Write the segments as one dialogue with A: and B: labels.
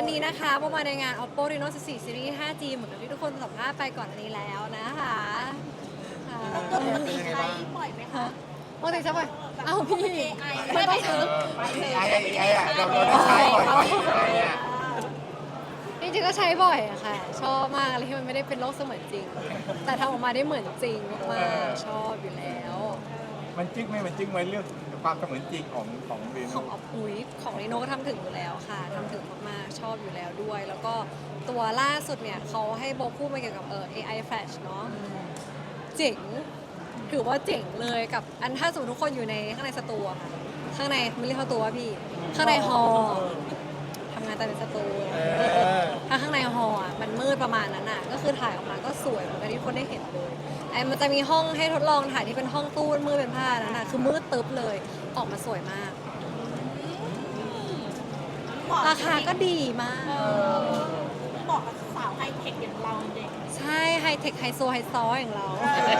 A: วันนี้นะคะประมาณในงาน Oppo Reno 14 Series 5G เหมือนกับที่ทุกคนสัมภาษณ์ไปก่อนอันนี้แล้วนะคะค่ะ
B: ปกติใช้บ่อยไหมคะ
A: ปกติใช่ไหมเอ้าพี่ไม่ต้องซื้อ
C: ไอ้อะเราได้ใช้บ่อยอะ
A: จริงๆก็ใช้บ่อยอะค่ะ ชอบมากอะไรที่มันไม่ได้เป็นโลกเสมือนจริง แต่ทำออกมาได้เหมือนจริงมากๆชอบอยู่แล้ว
C: มันจึ๊กไหมมันจึ๊กไหมเรื่องความเสมือนจริงของเร
A: ข
C: โน่
A: องอุ๋ยของรีโน่ก็ทำถึงอยู่แล้วค่ะทำถึงมากๆชอบอยู่แล้วด้วย แล้วก็ตัวล่าสุดเนี่ยเขาให้โบพูดมาเกี่ยวกับAI Flash เนาะเจ๋งถือว่าเจ๋งเลยกับอันถ้าสมมติทุกคนอยู่ในข้างในสตูอะค่ะข้างในไม่เรียกสตูว่าพี่ข้างในฮอลล์ทำงานแต่ในสตูถ้าข้างในฮอลล์อะมันมืดประมาณนั้นอะก็คือถ่ายออกมาก็สวยเหมือนกับที่ทุกคนได้เห็นเลยไอ้มันจะมีห้องให้ทดลองถ่ายที่เป็นห้องตู้มืดเป็นผ้านั่นอะคือมืดตึ๊บเลยออกมาสวยมาก ราคาก็ดีมาก
B: บอกกับสาวไฮเทคอย่างเราเด็ก
A: ใช่ไฮเทคไฮโซไฮซออย่างเรา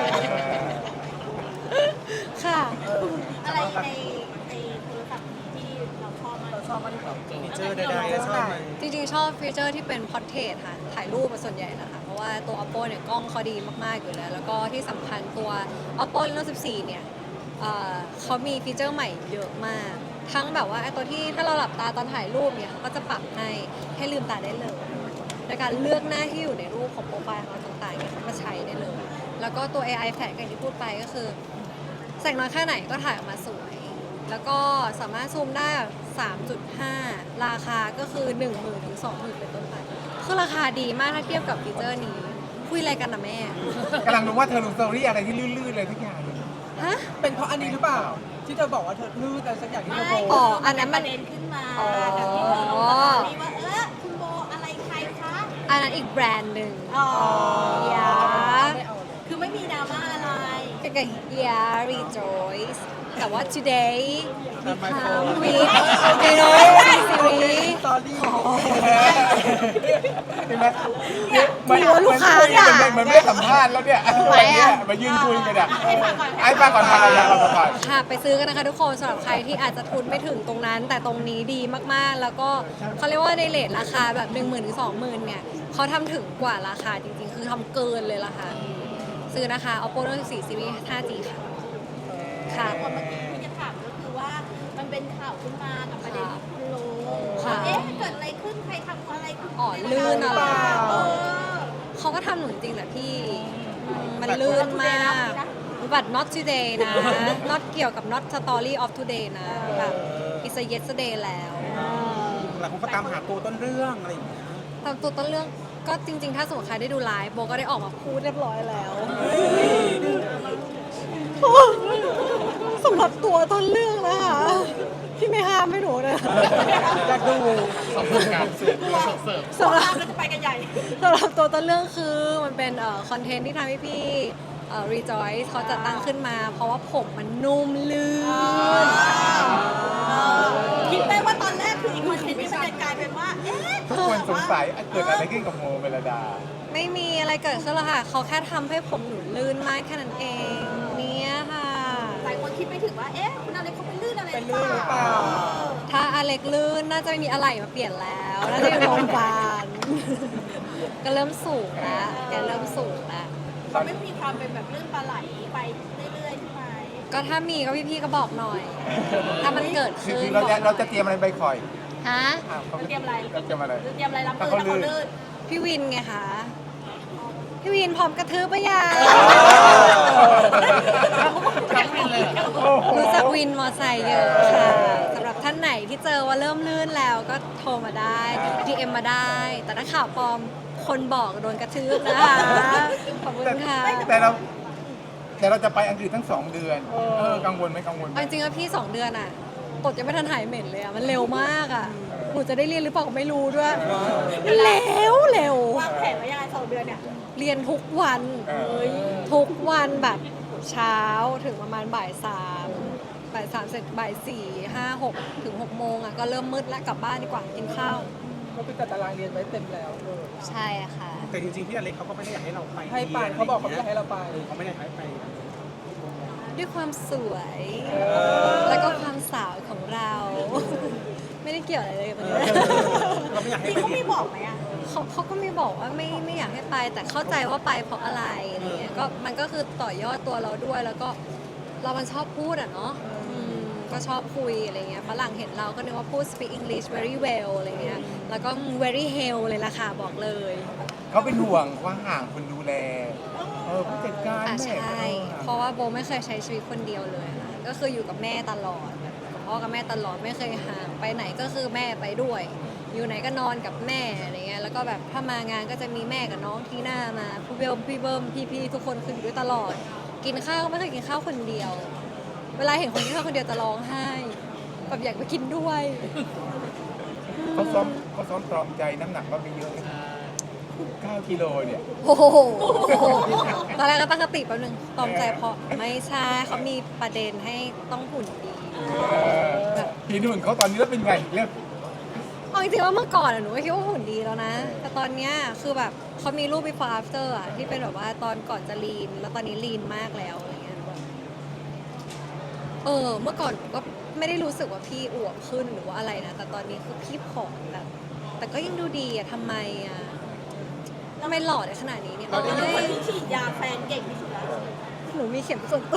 A: ค่ะ
B: อะไรในโทรศัพท์ที่เราชอบมากเราชอบมากที่สุด
D: ฟีเจอร์ใดๆชอบไหม
A: จริงๆ ชอบฟีเจอร์ที่เป็นพอร์เทรตค่ะ ถ่ายรูปมาส่วนใหญ่นะคะ เพราะว่าตัว Oppo เนี่ยกล้องเขาดีมากๆอยู่แล้ว แล้วก็ที่สำคัญตัว Oppo Reno 14 เนี่ยเขามีฟีเจอร์ใหม่เยอะมาก ทั้งแบบว่าไอ้ตัวที่ถ้าเราหลับตาตอนถ่ายรูปเนี่ยเขาก็จะปรับให้ลืมตาได้เลยโดยการเลือกหน้าที่อยู่ในรูปของโปรไฟล์ของเราต่างๆเนี่ยเขาก็ใช้ได้เลย แล้วก็ตัว AI Flash อย่างที่พูดไปก็คือแสงน้อยแค่ไหนก็ถ่ายออกมาสวย แล้วก็สามารถซูมได้ 3.5 ราคาก็คือ 10,000 ถึง 20,000 เป็นต้นไป คือราคาดีมากถ้าเทียบกับฟีเจอร์นี้ คุยอะไรกันนะแม่
C: กำลังดูว่าเธอลงสตอรี่อะไรที่ลื่นๆเลยทุกอย่าง
A: ฮะ
D: เป็นเพราะอันนี้หรือเปล่า ที่เธอบอกว่าเธอลื่นอะไรสักอย่างที่เธอโพส
A: อ๋อ
D: ต์
A: อันนั้นมัน
B: ประเด็นขึ้นมา
A: อ๋อ
B: แบบที่เราลงสตอรี่ว่าคุณโบอะไรใครคะ
A: อันนั้นอีกแบรนด์หนึ่ง
B: อ๋อ
A: ยา
B: คือไม่มีดราม่าอะไร
A: ก็คือ yeah rejoice แต่ว่า today become with you know series
D: ตอรี่
C: เห็นไหม
A: ไม่รู้ว่าลูกค้าด่า
C: มันไม่ได้สัมภาษณ์แล้วเนี่ยอะไรเนี่ยมายืนคุยกันอ่ะ
B: ให้ฟังก่อน
C: ไอ้ป้าก่อนพาก่อน
A: ค่ะไปซื้อกันนะคะทุกคนสำหรับใครที่อาจจะทุนไม่ถึงตรงนั้น แต่ตรงนี้ดีมากๆ แล้วก็เขาเรียกว่าในเรทราคาแบบ 10,000 ถึง 20,000 เนี่ยเขาทำถึงกว่าราคาจริงๆ คือทำเกินเลยราคาซื้อนะคะ Oppo Reno 14 Series 5G ค่ะค่ะ
B: คนเมื่อกี้ที่จะถามก็คือว่ามันเป็นข่าวขึ้นมากับประเด็นที่คุณลง
A: ค่ะ
B: เอ๊ะเกิดอะไรขึ้นใครทำอะไรขึ้น
A: อ๋อลื่นอะไร
B: เออ
A: เขาก็ทำหนูจริงๆแหละพี่มันลื่นมากบัต not today นะ not เกี่ยวกับ not story of today นะแบบ it's a yesterday แล้ว
D: หลายคนก็ตามหาตัวต้นเรื่องอะไรอย่างเงี้ย
A: ตามตัวต้นเรื่องก็จริงๆ ถ้าสมมติใครได้ดูไลฟ์โบก็ได้ออกมาพูดเรียบร้อยแล้วสำหรับตัวต้นเรื่องนะคะพี่ไม่ห้ามให้หนูนะ
D: อยากดู
A: สำหรับ
B: ก็จะไปกันใหญ่
A: สำหรับตัวต้นเรื่องคือมันเป็นคอนเทนต์ที่ทำให้พี่Rejoice เขาจัดตั้งขึ้นมา เพราะว่าผมมันนุ่มลื่น
B: คิดไหมว่าตอนแรกคืออีกคอนเทนต์นี้มันจะกลายเป็นว่า เอ๊ะ
C: ทุกคนสงสัยเกิดอะไรขึ้นกับโมเมลดา
A: ไม่มีอะไรเกิดขึ้นหรอกค่ะ เขาแค่ทำให้ผมหนูลื่นมากแค่นั้นเอง เนี่ยค่ะ
B: หลายคนคิดไม่ถึงว่า เอ๊ะ คุณอะไรเขาเป็นลื่นอะไร
D: เป็นลื่นหรือเปล่า
A: ถ้าอเล็กลื่นน่าจะไม่มีอะไรมาเปลี่ยนแล้ว น่าจะอยู่โรงพยาบาล ก็เริ่มสูงแล้วแกเริ่มสูงแล้ว
B: เขาไม่มีความเป็นแบบลื่นปลาไหลไปเรื่อยๆใช่ไหม
A: ก็ถ้ามีก็พี่ๆก็บอกหน่อย ถ้ามันเกิด
C: คือ
A: ขึ้น
C: เราจะเตรียมอะไรไปคอย
A: ฮะ
B: เตรียมอะไร
C: เราเตรียมอะไร
B: เตรียมอะไรรับมือถ้าเขาลื่น
A: พี่วินไงคะ พี่วินพร้อมกระทืบปะยัง รู้จักวินมอไซค์เยอะค่ะสำหรับท่านไหนที่เจอว่าเริ่มลื่นแล้วก็โทรมาได้ DM มาได้ แต่ถ้าข่าวปลอมคนบอกโดนกระทืบนะคะ ขอบคุณค่ะ
C: แต่เราจะไปอังกฤษทั้ง2 เดือนกังวลไหมกังวลไหม
A: เอาจริงๆว่าพี่ 2 เดือนอ่ะตดยังไม่ทันหายเหม็นเลยอ่ะ มันเร็วมากอ่ะ หนูจะได้เรียนหรือเปล่าก็ไม่รู้ด้วยเร็ว
B: วางแผนไว้ยังไง2 เดือนเนี่ย
A: เรียนทุกวันทุกวันแบบเช้าถึงประมาณบ่าย 3เสร็จบ่าย 4 5 6 ถึง 6 โมงอ่ะก็เริ่มมืดแล้วกลับบ้านดีกว่ากินข้าว
D: ก็เป็นจัดตารางเรียนไว้เต็มแล้ว
A: ใช่ค่ะ
E: แต่จริงๆพี่อเล็กเขาก็ไม่ได้อยากให้เราไป
D: ให้ไปเขาบอกเขาไม่อยากให้เราไป
E: เขาไม่ได้ให้ไป
A: ด้วยความสวย แล้วก็ความสาวของเรา ไม่ได้เกี่ยวอะไรเลยกับมัน
E: เราไม่อยาก
B: จ
E: ให้
B: ริง
E: ไป
B: เขาไม่บอกไหมอ่ะ
A: เขาก็ไม่บอกว่าไม่อยากให้ไป แต่เข้าใจว่าไปเพราะอะไรอะไรเงี้ยก็มันก็คือต่อยอดตัวเราด้วย แล้วก็เรามันชอบพูดอ่ะเนาะก็ชอบคุยอะไรเงี้ยฝรั่งเห็นเราก็นึกว่าพูด speak English very well อะไรเงี้ยแล้วก็ very hell เลยล่ะค่ะบอกเลย
C: เขาเป็นห่วงว่าห่างคนดูแลผู้จัดการ
A: อ่ะ
C: แม่
A: ใช่ เพราะว่าโบไม่เคยใช้ชีวิตคนเดียวเลยค่ะก็คืออยู่กับแม่ตลอดกับพ่อกับแม่ตลอดไม่เคยห่างไปไหนก็คือแม่ไปด้วย อยู่ไหนก็นอนกับแม่อะไรเงี้ยแล้วก็แบบถ้ามางานก็จะมีแม่กับน้องที่หน้ามาพี่เบิ้มพี่ทุกคนคืออยู่ด้วยตลอด กินข้าวก็ไม่เคยกินข้าวคนเดียว เวลาเห็นคนกินข้าวคนเดียวจะร้องไห้แบบอยากไปกินด้วย
C: เขาซ้อมตรอมใจน้ำหนักก็ไม่เยอะ9 กิโลเนี่ย
A: โอ้โหตอนแรกก็ตั้งสติแป๊บนึงตอมใจเพราะไม่ใช่เขามีประเด็นให้ต้องหุ่นดีแบบ
C: พี่นุ่นเขาตอนนี้แล้วเป็นไงเรื่อง
A: เอาจริงๆว่าเมื่อก่อนอะหนูก็คิดว่าหุ่นดีแล้วนะ แต่ตอนเนี้ยคือแบบเขามีรูป before after อะที่เป็นแบบว่าตอนก่อนจะลีน แล้วตอนนี้ลีนมากแล้วอะไรเงี้ยแบบเมื่อก่อนหนูก็ไม่ได้รู้สึกว่าพี่อวบขึ้นหรือว่าอะไรนะ แต่ตอนนี้คือพี่ผอมแบบ แต่ก็ยังดูดีอะทำไมอะทำไมหล่อได้ขนาดนี้เนี่ย
B: เราเป็นคน
A: เอ้ย
B: ที่ฉีดยาแฟนเก่งที่สุดแล้ว
A: หนูมีเข็มส่วนตัว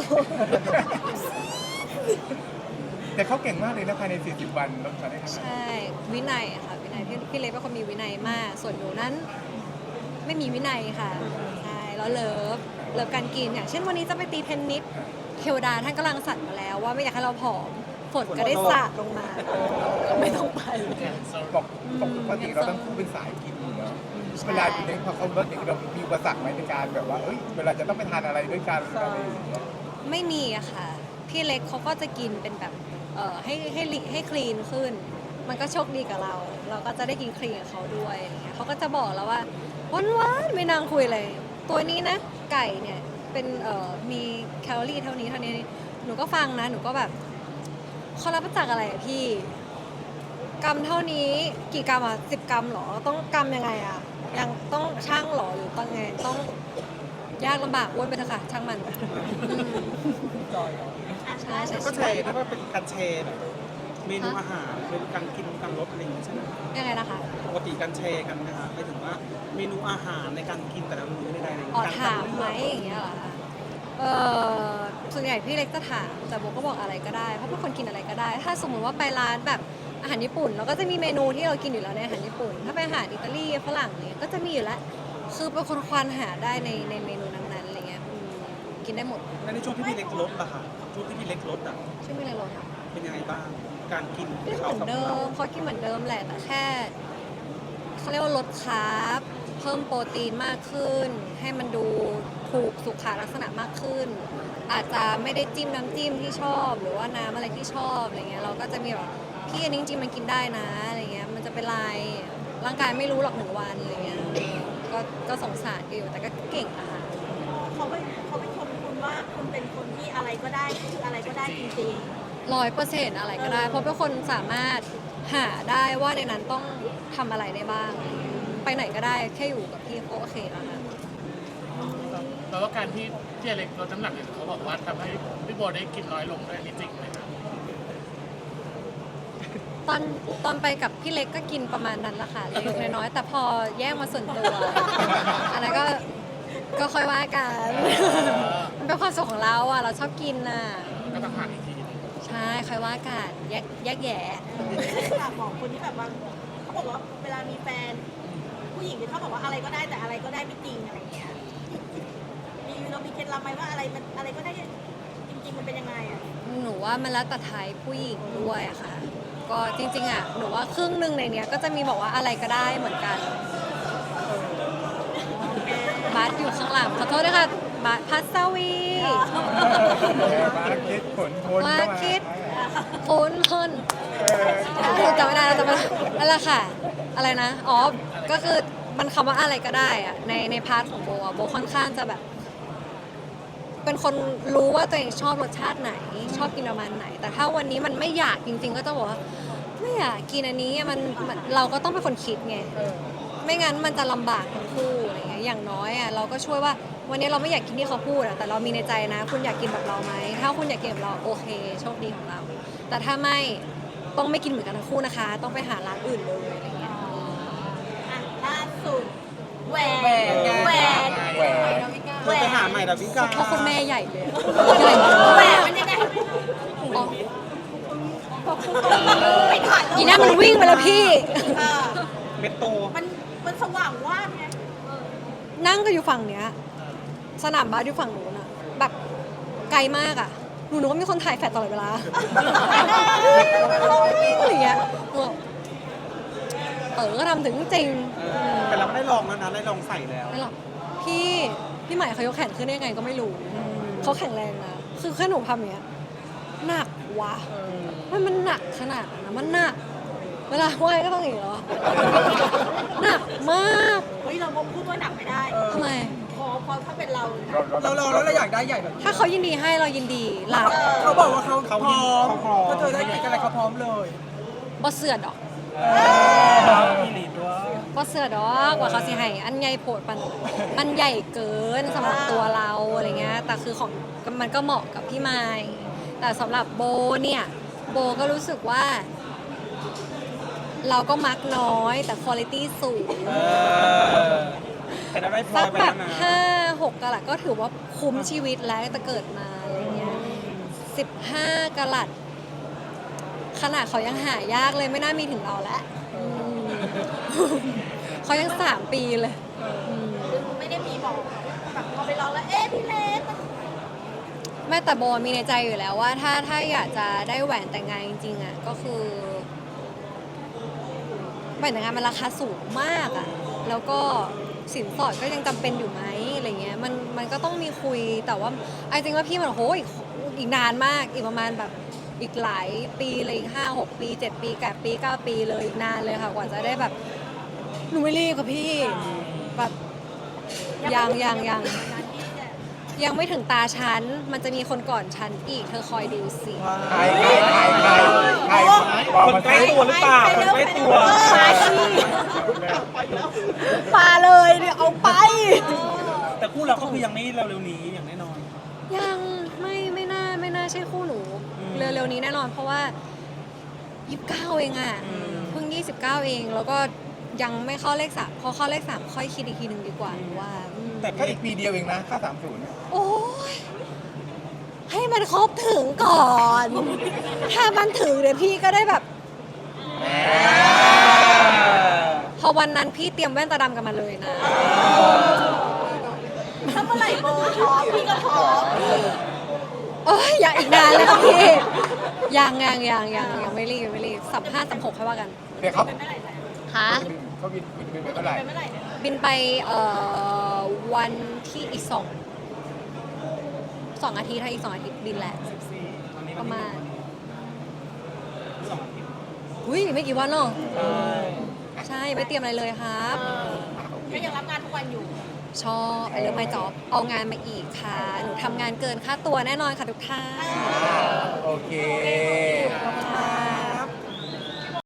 C: แต่เขาเก่งมากเลยนะภายใน40 วันลดมาได้ขนาด
A: ใช
C: นั้น่
A: วินัยอะค่ะวินัยพี่เล็กเป็นคนมีวินัยมาก ส่วนหนูนั้นไม่มีวินัยค่ะใช่แล้วเลิฟการกินอย่างเช่นวันนี้จะไปตีเทนนิสเทวดาท่านกำลังสั่นมาแล้วว่าไม่อยากให้เราผอมฝนก็ได้สาดลงมาไม่ต้องไป
C: ปกติเราต้องเป็นสายกินอยู่แล้วเวลาอยู่ในพอเขาลดเนี่ยเรามีอุปสรรคไหมในการแบบว่าเวลาจะต้องไปทานอะไรด้วยกันอะไรอย่างเงี้ย
A: ไม่มีอะค่ะ พี่เล็กเขาก็จะกินเป็นแบบให้คลีนขึ้น มันก็โชคดีกับเรา เราก็จะได้กินคลีนกับเขาด้วยอะไรเงี้ยเขาก็จะบอกแล้วว่าหวานๆไม่นางคุยเลย ตัวนี้นะ ไก่เนี่ยเป็นมีแคลอรี่เท่านี้หนูก็ฟังนะหนูก็แบบเขารับมาจากอะไรอะพี่ กรัมเท่านี้กี่กรัมอ่ะ10 กรัมเหรอต้องกรัมยังไงอ่ะยังต้องช่างเหรอหรือต้องไงต้องยากลำบากอ้วนไปเถอะค่ะช่างมันใช่ใช่
E: ก็แช
A: ใช่
E: ร์ได้ว่าเป็นการแชร์แบบเมนูอาหารเป็นการกินการลดอะไรอย่างเงี้ยใช่ไหม
A: ยังไงนะคะ
E: ปกติการแชร์กันนะคะหมายถึงว่าเมนูอาหารในการกินแต่ละมื้อในใดๆ
A: อ๋อ
E: การ
A: ถามไหมอย่างเงี้ยเหรอคะส่วนใหญ่พี่เล็กจะถามแต่โบก็บอกอะไรก็ได้เพราะเป็นคนกินอะไรก็ได้ ถ้าสมมติว่าไปร้านแบบอาหารญี่ปุ่นเราก็จะมีเมนูที่เรากินอยู่แล้วในอาหารญี่ปุ่น ถ้าไปอาหารอิตาลีฝรั่งเนี่ยก็จะมีอยู่แล้วคือเป็นคนควานหาได้ในเมนูนั้นๆอะไรเงี้ยกินได้หมด
E: แล้วในช่วงที่พี่เล็กลดล่ะคะช่วงที่พี่เล็กลดอ่ะ
A: ช่วยไม่เลยลดค่ะ
E: เป็นยังไงบ้าง การกิน
A: กินเหมือนเดิมเขากินเหมือนเดิมแหละแต่แค่เขาเรียกว่าลดคาร์บเพิ่มโปรตีนมากขึ้น ให้มันดูถูกสุขลักษณะมากขึ้น อาจจะไม่ได้จิ้มน้ำจิ้มที่ชอบ หรือว่าน้ำอะไรที่ชอบอะไรเงี้ยเราก็จะมีแบบพี่อันนี้จริงๆมันกินได้นะอะไรเงี้ยมันจะเป็นไรร่างกายไม่รู้หรอก1 วันอะไรเงี้ยก็สงสารอยู่แต่ก็เก่งนะคะ
B: เขาไปชมคุณว่าคุณเป็นคนที่อะไรก็ได้คืออะไรก็ได้จริง
A: 100%อะไรก็ได้ เพราะเป็นคนสามารถหาได้ว่าในนั้นต้องทำอะไรได้บ้าง ไปไหนก็ได้แค่อยู่กับพี่ก็โอเคแล้วค่ะ
F: แปลว่าการที่พี่อเล็กลดน้ำหนักเนี่ยเขาบอกว่าทำให้พี่โบได้กินน้อยลงด้วยนี่จริงไหมครับ
A: ตอนไปกับพี่เล็กก็กินประมาณนั้นแหละค่ะเล็กน้อยๆแต่พอแยกมาส่วนตัว อันนั้นก็ค่อยว่ากัน มันเป็นความสุขของเราอ่ะเราชอบกินน่ะ
F: ก็ต้องหาอีกทีหนึ่ง
A: ใช่ค่อยว่ากันแยกแยะ
B: ๆฝากบอกคนที่แบบว่าเขาบอกว่าเวลามีแฟน ผู้หญิงเนี่ยเขาบอกว่าอะไรก็ได้แต่อะไรก็ได้ไม่จริงอะไรเงี้ยเรามีเคล็ดลับไหมว่าอะไรก็ได้จริงๆมันเป็นยังไงอ่ะ
A: หนูว่ามันแล้วแต่ไทยผู้หญิงด้วยอะค่ะ ก็จริงๆอ่ะหนูว่าครึ่งหนึ่งในเนี้ยก็จะมีบอกว่าอะไรก็ได้เหมือนกันบาสอยู่ข้างหลังขอโทษด้วยค่ะบาสพัสวี
C: มาคิดผลพล
A: มาคิด โอนเพิ่นหนูจำไม่ได้แล้วจำไม่ได้นั่นแหละค่ะ อะไรนะอ๋อก็คือมันคำว่าอะไรก็ได้อะในพาร์ทของโบอะโบค่อนข้างจะแบบ เป็นคนรู้ว่าตัวเองชอบรสชาติไหน ชอบกินประมาณไหน แต่ถ้าวันนี้มันไม่อยากจริง ๆ ก็จะบอกว่าไม่อยากกินอันนี้มันเราก็ต้องเป็นคนคิดไงไม่งั้นมันจะลำบากทั้งคู่อะไรเงี้ยอย่างน้อยอ่ะเราก็ช่วยว่าวันนี้เราไม่อยากกินที่เขาพูดอะแต่เรามีในใจนะ คุณอยากกินแบบเราไหมถ้าคุณอยากกินแบบเราโอเคโชคดีของเรา แต่ถ้าไม่ต้องไม่กินเหมือนกันทั้งคู่นะคะ ต้องไปหาร้านอื่นเลยอะไรเงี้ย
B: สุดแหวน
D: แหวนไง
B: แหวน
C: แหวน
E: เธอไปหาใหม่ดาวิกา
A: เพราะคุณแม่ใหญ่เลย
B: แหวนมันยังไง
A: อ๋อ
B: ไปถ่ายรูป
A: อีนั่นมันวิ่งไปแล้วพี่
B: เออ
E: เม็ดโต
B: มันสว่างว่าบไง
A: นั่งก็อยู่ฝั่งเนี้ย สนามบาสอยู่ฝั่งนู้นอะแบบไกลมากอะหนูนึกว่ามีคนถ่ายแฟลชตลอดเวลาอะไรเงี้ยก็ทำถึงจริง
E: แต่เราไม่ได้ลองแล้วนะได้ลองใส่แล้ว
A: ไม่หรอกพี่ใหม่เขายกแขนขึ้นได้ยังไงก็ไม่รู้เขาแข็งแรงนะคือแค่หนูทำอย่างเนี้ยหนักวะมันหนักขนาดนั้นนะมันหนัก เวลาไหวก็ต้องอย่างนี้เหรอหนักมาก
B: เฮ้ยเราพูดว่าหนักไม่ได้
A: ทำไม
B: พอถ้าเป็นเรา
D: เราลองแล้วเราอยากได้ใหญ่แบบนี้
A: ถ้าเขายินดีให้เรายินดีรับ
D: เขาบอกว่าเขาพร้อม
E: เขาพร้อม
D: ถ้าเธอได้กินอะไรเขาพร้อมเลย
A: บ่เสือดอก
E: มีหลีด้วย
A: บ่เสือดอกว่าเขาสิให้อันใหญ่โพดมันใหญ่เกินสำหรับตัวเราอะไรเงี้ยแต่คือของมันก็เหมาะกับพี่ไม้แต่สำหรับโบเนี่ยโบก็รู้สึกว่า เราก็มักน้อยแต่คุณภาพสูง
E: แต่เราได้พลอ
A: สั
E: ย
A: ก
E: ไป
A: แบ
E: แล้
A: บ
E: วนะ
A: 5-6กะลัดก็ถือว่าคุ้มชีวิตแล้วแต่เกิดมาอะไรเงี้ย15กะลัดขนาดเขายังหายากเลยไม่น่ามีถึงเราแล้วเขายัง3 ปีเลย
B: ไม่ได้มีบอกแบบพอไปลองแล้ว เอ๊ะพี่เล็กมัน
A: แม่แต่โบมีในใจอยู่แล้วว่าถ้าอยากจะได้แหวนแต่งงานจริงๆอ่ะก็คือแหวนแต่งงานมันราคาสูงมากอ่ะแล้วก็สินสอดก็ยังจำเป็นอยู่ไหมอะไรเงี้ยมันก็ต้องมีคุยแต่ว่าไอ้จริงว่าพี่มันโหอีกนานมากอีกประมาณแบบอีกหลายปีเลยอีก5-6 ปี7 ปี8 ปี9 ปีเลยอีกนานเลยค่ะกว่าจะได้แบบหนูไม่รีบกับพี่แบบยัง
B: นั้นที่เนี่ย
A: ยังไม่ถึงตาฉัน มันจะมีคนก่อนฉันอีก เธอคอยดูสิ
C: ใครบอก
E: คน
C: มา
E: ใกล้
C: สิ
E: ตัวหรือเปล่าคนใกล้ตัว
A: มาสิมาเลยเดี๋ยวเอาไป
E: แต่คู่เราก็คือยังไม่เร็วๆนี้อย่างแน่นอน
A: ยังไม่น่าใช่คู่หนู เร็วๆนี้แน่นอน เพราะว่า29เองอ่ะ เพิ่ง29เอง แล้วก็ยังไม่เข้าเลข3พอเข้าเลข3ค่อยคิดอีกทีหนึ่งดีกว่าหนูว่า
E: แต่
C: ก็อีกปีเดียวเองนะค่า30เนี่ย
A: โอ้ยให้มันครบถึงก่อน ถ้ามันถึงเดี๋ยวพี่ก็ได้แบบ พอวันนั้นพี่เตรียมแว่นตาดำกันมาเลยนะ
B: ถ้าเมื่อไหร่โบท้องพี่ก็ท้อง
A: โอ้ยอย่าอีกนานเลยค่ะพี่ยังไม่รีบ35-36ค่อยว่ากัน
C: เดี๋ยวเขา
B: เป็นเมื่อไหร่เนี่ย
A: ฮะ
C: เขาบินไปเมื่อไหร่
B: เป็นเมื่อไหร่เนี่ย
A: บินไปวันที่อีก2อาทิตย์ถ้าอีก2 อาทิตย์บินแหละประมาณอุ้ยไม่กี่วันหรอกใช่ไม่เตรียมอะไรเลยครับ
B: ก็ยังรับงานทุกวันอยู่
A: ชอบไอเลิฟไมจ็อบเอางานมาอีกค่ะหนูทำงานเกินค่าตัวแน่นอนค่ะทุกท่าน
C: โอเค
B: ขอบคุณ